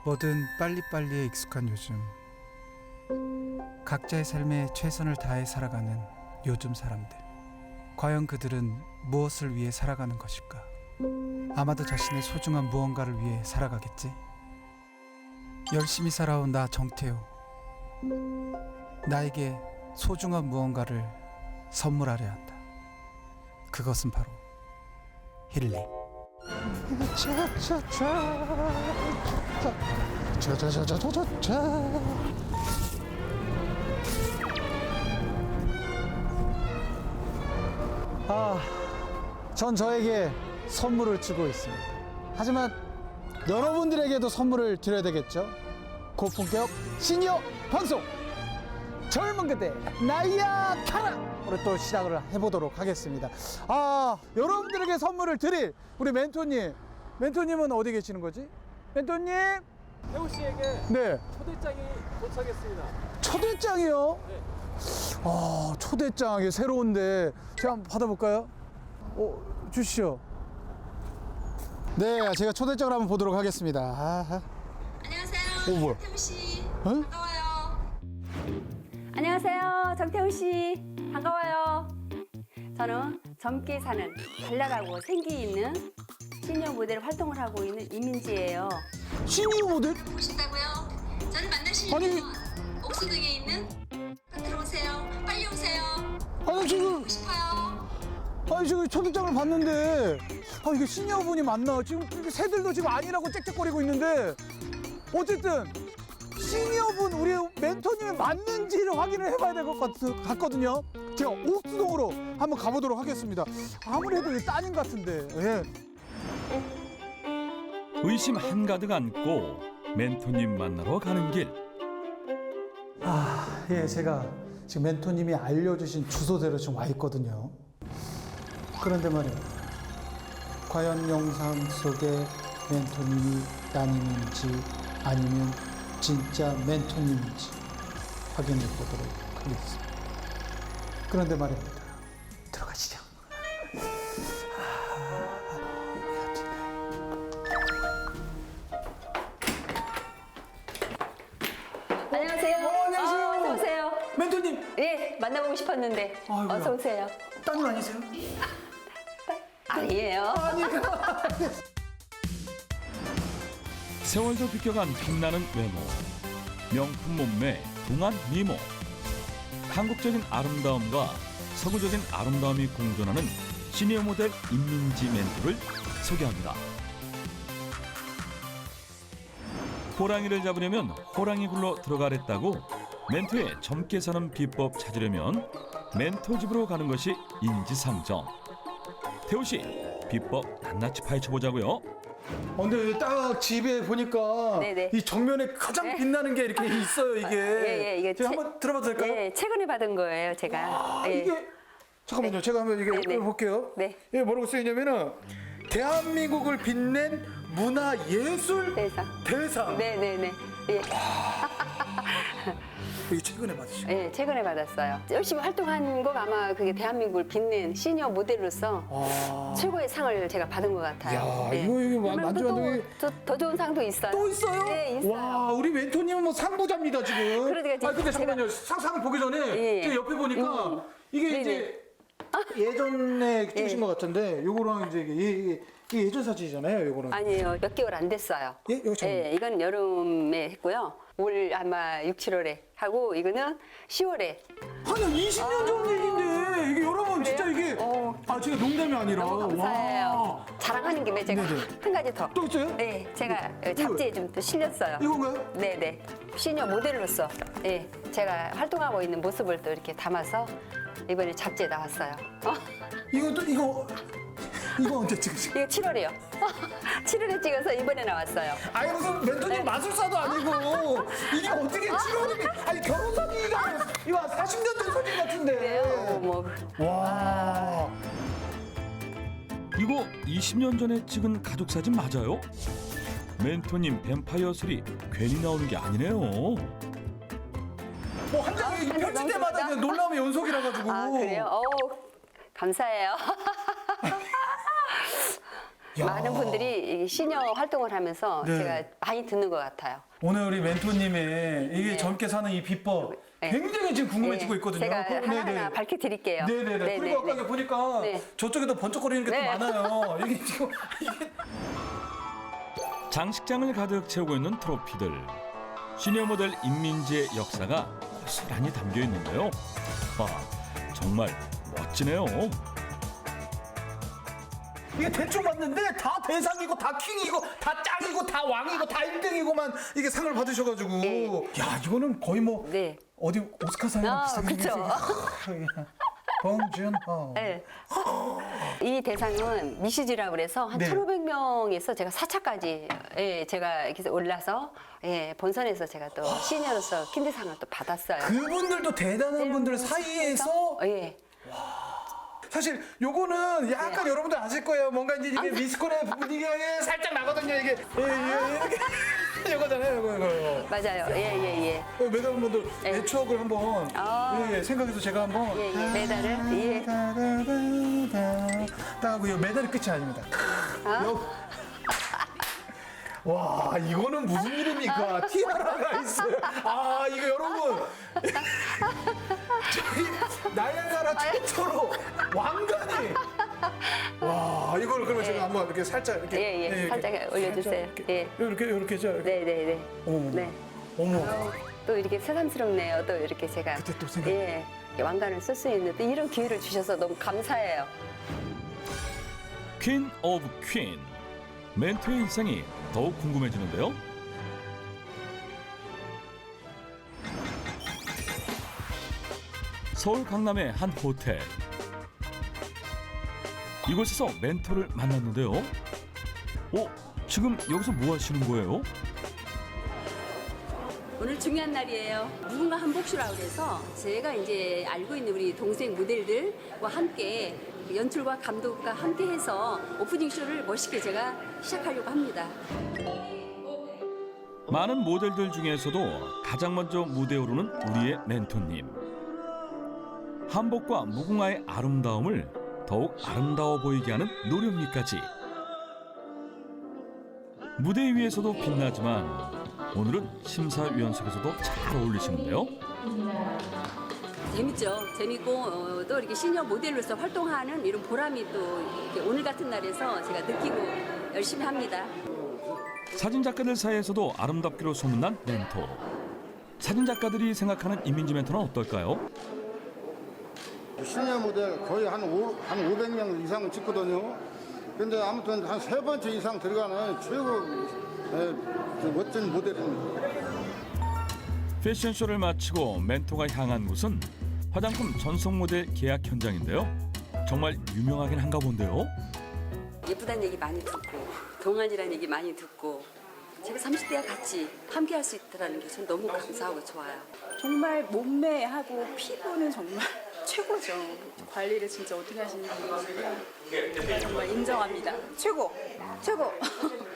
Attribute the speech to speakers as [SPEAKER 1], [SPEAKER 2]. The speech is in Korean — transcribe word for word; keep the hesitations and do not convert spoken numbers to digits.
[SPEAKER 1] 뭐든 빨리빨리에 익숙한 요즘, 각자의 삶에 최선을 다해 살아가는 요즘 사람들. 과연 그들은 무엇을 위해 살아가는 것일까? 아마도 자신의 소중한 무언가를 위해 살아가겠지? 열심히 살아온 나 정태우, 나에게 소중한 무언가를 선물하려 한다. 그것은 바로 힐링.
[SPEAKER 2] 아, 전 저에게 선물을 주고 있습니다. 하지만 여러분들에게도 선물을 드려야 되겠죠? 고품격 시니어 방송 젊은 그대 나이야 카라 오늘 또 시작을 해보도록 하겠습니다. 아, 여러분들에게 선물을 드릴 우리 멘토님, 멘토님은 어디 계시는 거지? 멘토님?
[SPEAKER 3] 태우 씨에게
[SPEAKER 2] 네,
[SPEAKER 3] 초대장이 도착했습니다.
[SPEAKER 2] 초대장이요?
[SPEAKER 3] 네.
[SPEAKER 2] 아, 초대장이 새로운데 제가 한번 받아볼까요? 어, 주시죠. 네, 제가 초대장을 한번 보도록 하겠습니다. 아하.
[SPEAKER 4] 안녕하세요.
[SPEAKER 2] 오, 뭐야?
[SPEAKER 4] 태우 씨.
[SPEAKER 2] 어?
[SPEAKER 4] 반가워요.
[SPEAKER 5] 안녕하세요. 정태우 씨. 반가워요. 저는 젊게 사는 발랄하고 생기 있는 시니어 모델 활동을 하고 있는 이민지예요.
[SPEAKER 2] 시니어 모델?
[SPEAKER 4] 보신다고요? 저를
[SPEAKER 2] 아니.
[SPEAKER 4] 만나시려면 옥수동에 있는 들어오세요. 빨리 오세요.
[SPEAKER 2] 아니, 지금,
[SPEAKER 4] 보고 싶어요.
[SPEAKER 2] 아니, 지금 초대장을 봤는데, 아, 이게 시니어분이 맞나? 지금 이렇게 새들도 지금 아니라고 짹짹거리고 있는데, 어쨌든, 시니어분, 우리 멘토님이 맞는지를 확인을 해봐야 될 것 같거든요. 제가 옥수동으로 한번 가보도록 하겠습니다. 아무래도 이 따님 같은데, 예.
[SPEAKER 6] 의심 한가득 안고 멘토님 만나러 가는 길.
[SPEAKER 2] 아, 예, 제가 지금 멘토님이 알려주신 주소대로 지금 와 있거든요. 그런데 말이에요. 과연 영상 속에 멘토님이 따님인지 아니면 진짜 멘토님인지 확인해 보도록 하겠습니다. 그런데 말입니다. 들어가시죠.
[SPEAKER 5] 안녕하세요.
[SPEAKER 2] 어, 안녕하세요.
[SPEAKER 5] 아, 어서 오세요.
[SPEAKER 2] 멘토님!
[SPEAKER 5] 예, 만나보고 싶었는데.
[SPEAKER 2] 아이고야.
[SPEAKER 5] 어서 오세요.
[SPEAKER 2] 따님 아니세요?
[SPEAKER 5] 아니에요.
[SPEAKER 6] 세월도 비껴간 빛나는 외모, 명품 몸매, 동안 미모. 한국적인 아름다움과 서구적인 아름다움이 공존하는 시니어 모델 임민지 멘토를 소개합니다. 호랑이를 잡으려면 호랑이 굴러 들어가랬다고 멘토의 젊게 사는 비법 찾으려면 멘토 집으로 가는 것이 인지상정. 태우 씨, 비법 낱낱이 파헤쳐 보자고요.
[SPEAKER 2] 어, 근데 딱 집에 보니까
[SPEAKER 5] 네네.
[SPEAKER 2] 이 정면에 가장
[SPEAKER 5] 네.
[SPEAKER 2] 빛나는 게 이렇게 있어요, 이게.
[SPEAKER 5] 예, 예, 이게
[SPEAKER 2] 제가
[SPEAKER 5] 채-
[SPEAKER 2] 한번 들어봐도 될까요?
[SPEAKER 5] 예, 최근에 받은 거예요, 제가.
[SPEAKER 2] 아,
[SPEAKER 5] 예.
[SPEAKER 2] 이게 잠깐만요. 제가 한번 이게
[SPEAKER 5] 네, 네.
[SPEAKER 2] 볼게요.
[SPEAKER 5] 네.
[SPEAKER 2] 이게 뭐라고 쓰여 있냐면은 대한민국을 빛낸 문화예술
[SPEAKER 5] 대상.
[SPEAKER 2] 대상.
[SPEAKER 5] 네네네. 예.
[SPEAKER 2] 이게 최근에 받으신.
[SPEAKER 5] 예, 최근에 받았어요. 열심히 활동한 거 아마 그게 대한민국을 빛낸 시니어 모델로서
[SPEAKER 2] 아.
[SPEAKER 5] 최고의 상을 제가 받은 것 같아요.
[SPEAKER 2] 야,
[SPEAKER 5] 예.
[SPEAKER 2] 이거, 이거
[SPEAKER 5] 그러면
[SPEAKER 2] 만져-
[SPEAKER 5] 또,
[SPEAKER 2] 만져-
[SPEAKER 5] 또, 더 좋은 상도 있어요.
[SPEAKER 2] 또 있어요?
[SPEAKER 5] 네, 있어요.
[SPEAKER 2] 와, 우리 멘토님은 뭐 상부자입니다, 지금.
[SPEAKER 5] 그러니까
[SPEAKER 2] 아, 근데
[SPEAKER 5] 제가-
[SPEAKER 2] 잠깐만요. 상상을 보기 전에
[SPEAKER 5] 예.
[SPEAKER 2] 제가 옆에 보니까
[SPEAKER 5] 음.
[SPEAKER 2] 이게
[SPEAKER 5] 네네.
[SPEAKER 2] 이제 예전에 찍으신
[SPEAKER 5] 예.
[SPEAKER 2] 것 같은데 요거랑 이제 이게, 이게, 이게 예전 사진이잖아요, 요거는.
[SPEAKER 5] 아니에요. 몇 개월 안 됐어요.
[SPEAKER 2] 예? 이거 잠깐만요.
[SPEAKER 5] 예, 이건 여름에 했고요. 올 아마 육, 칠월에 하고 이거는 시월에.
[SPEAKER 2] 아니, 이십 년 전 얘기인데 이게 여러분 진짜 이게
[SPEAKER 5] 어.
[SPEAKER 2] 아, 제가 농담이 아니라
[SPEAKER 5] 너무 감사해요.
[SPEAKER 2] 와.
[SPEAKER 5] 자랑하는 김에 제가
[SPEAKER 2] 네네.
[SPEAKER 5] 한 가지 더.
[SPEAKER 2] 또 있어요?
[SPEAKER 5] 네, 제가 잡지에 좀 또 실렸어요.
[SPEAKER 2] 이건가요?
[SPEAKER 5] 네네. 시니어 모델로서 예, 제가 활동하고 있는 모습을 또 이렇게 담아서 이번에 잡지에 나왔어요. 어?
[SPEAKER 2] 이거 또 이거 이거 언제 찍으신?
[SPEAKER 5] 이거 칠월이요. 칠월에 찍어서 이번에 나왔어요.
[SPEAKER 2] 아니 무슨 멘토님 마술사도 아니고 이게 어떻게 칠월이면 아니 결혼 사진이가 이거 사십 년 전 사진 같은데.
[SPEAKER 5] 그래요? 뭐
[SPEAKER 2] 와.
[SPEAKER 6] 이거 이십 년 전에 찍은 가족 사진 맞아요? 멘토님 뱀파이어 술이 괜히 나오는 게 아니네요.
[SPEAKER 2] 뭐 한 장에
[SPEAKER 5] 아니,
[SPEAKER 2] 펼칠 때마다
[SPEAKER 5] 너무
[SPEAKER 2] 그냥 놀라움의 연속이라 가지고.
[SPEAKER 5] 아, 그래요? 어우, 감사해요.
[SPEAKER 1] 야.
[SPEAKER 5] 많은 분들이 이 시니어 활동을 하면서
[SPEAKER 1] 네.
[SPEAKER 5] 제가 많이 듣는 것 같아요.
[SPEAKER 1] 오늘 우리 멘토님의 이게
[SPEAKER 5] 네.
[SPEAKER 1] 젊게 사는 이 비법
[SPEAKER 5] 네.
[SPEAKER 1] 굉장히 지금 궁금해지고
[SPEAKER 5] 네,
[SPEAKER 1] 있거든요.
[SPEAKER 5] 제가
[SPEAKER 1] 그럼,
[SPEAKER 5] 하나하나
[SPEAKER 1] 네네.
[SPEAKER 5] 밝혀드릴게요.
[SPEAKER 1] 네네네.
[SPEAKER 5] 네,
[SPEAKER 1] 그리고
[SPEAKER 5] 네,
[SPEAKER 1] 아까
[SPEAKER 5] 네.
[SPEAKER 1] 보니까
[SPEAKER 5] 네.
[SPEAKER 1] 저쪽에도 번쩍거리는 게 또
[SPEAKER 5] 네.
[SPEAKER 1] 많아요. 이게 지금 이게
[SPEAKER 6] 장식장을 가득 채우고 있는 트로피들. 시니어 모델 임민지의 역사가 고스란히 담겨 있는데요. 와, 정말 멋지네요.
[SPEAKER 1] 이게 대충 봤는데 다 대상이고 다 킹이고 다 짱이고 다 왕이고 다 일 등이고만 이게 상을 받으셔가지고
[SPEAKER 5] 네.
[SPEAKER 1] 야 이거는 거의 뭐
[SPEAKER 5] 네.
[SPEAKER 1] 어디 오스카상이랑
[SPEAKER 5] 아,
[SPEAKER 1] 비슷하게
[SPEAKER 5] 그쵸.
[SPEAKER 1] 생겼어요. 봉준호.
[SPEAKER 5] 네. 이 대상은 미시즈라고 그래서 한
[SPEAKER 1] 네.
[SPEAKER 5] 천오백 명에서 제가 사 차까지 예, 제가 이렇게 올라서 예, 본선에서 제가 또 시니어로서 킨드상을 또 받았어요.
[SPEAKER 1] 그분들도 대단한 분들 사이에서
[SPEAKER 5] 예.
[SPEAKER 1] 사실 요거는 약간
[SPEAKER 5] 네.
[SPEAKER 1] 여러분들 아실 거예요. 뭔가 이제 이게 미스코리아 분위기가 살짝 나거든요. 이게 예, 예, 이렇게 요거잖아요. 요거 이거.
[SPEAKER 5] 맞아요. 예, 예, 예.
[SPEAKER 1] 어, 메달분들
[SPEAKER 5] 네.
[SPEAKER 1] 내 추억을 한번
[SPEAKER 5] 아.
[SPEAKER 1] 예, 예, 생각해서 제가 한번
[SPEAKER 5] 예, 예. 메달을 예.
[SPEAKER 1] 딱 하고 요 메달이 끝이 아닙니다.
[SPEAKER 5] 아?
[SPEAKER 1] 요- 와 이거는 무슨 일입니까? 티아라가 있어요. 아 이거 여러분 저희 나야가라 최초로 왕관이 와 이걸 그러면 제가 한번 이렇게 살짝 이렇게
[SPEAKER 5] 예, 예.
[SPEAKER 1] 이렇게
[SPEAKER 5] 살짝 올려주세요.
[SPEAKER 1] 살짝
[SPEAKER 5] 예.
[SPEAKER 1] 이렇게 이렇게 이렇게 죠
[SPEAKER 5] 네, 네, 네.
[SPEAKER 1] 어머
[SPEAKER 5] 네.
[SPEAKER 1] 어머
[SPEAKER 5] 어, 또 이렇게 새삼스럽네요. 또 이렇게 제가
[SPEAKER 1] 그때 또 생각-
[SPEAKER 5] 예, 왕관을 쓸 수 있는 또 이런 기회를 주셔서 너무 감사해요.
[SPEAKER 6] 퀸 오브 퀸. 멘토의 일상이 더욱 궁금해지는데요. 서울 강남의 한 호텔. 이곳에서 멘토를 만났는데요. 어? 지금 여기서 뭐 하시는 거예요?
[SPEAKER 5] 오늘 중요한 날이에요. 무궁화 한복쇼라고 해서 제가 이제 알고 있는 우리 동생 모델들과 함께 연출과 감독과 함께 해서 오프닝 쇼를 멋있게 제가 시작하려고 합니다.
[SPEAKER 6] 많은 모델들 중에서도 가장 먼저 무대에 오르는 우리의 멘토님. 한복과 무궁화의 아름다움을 더욱 아름다워 보이게 하는 노력미까지. 무대 위에서도 빛나지만 오늘은 심사위원석에서도 잘 어울리시는데요.
[SPEAKER 5] 재밌죠. 재밌고 어, 또 이렇게 시니어 모델로서 활동하는 이런 보람이 또 이렇게 오늘 같은 날에서 제가 느끼고 열심히 합니다.
[SPEAKER 6] 사진작가들 사이에서도 아름답기로 소문난 멘토. 사진작가들이 생각하는 임민지 멘토는 어떨까요?
[SPEAKER 7] 시니어 모델 거의 한, 오, 한 오백 명 이상 찍거든요. 근데 아무튼 한 세 번째 이상 들어가는 최고 에, 멋진 모델입니다.
[SPEAKER 6] 패션쇼를 마치고 멘토가 향한 곳은 화장품 전속 모델 계약 현장인데요. 정말 유명하긴 한가 본데요.
[SPEAKER 5] 예쁘다는 얘기 많이 듣고 동안이라는 얘기 많이 듣고 제가 삼십 대와 같이 함께 할 수 있다는 게 전 너무 감사하고 좋아요.
[SPEAKER 8] 정말 몸매하고 피부는 정말 최고죠. 관리를 진짜 어떻게 하시는지 정말 인정합니다. 최고, 최고.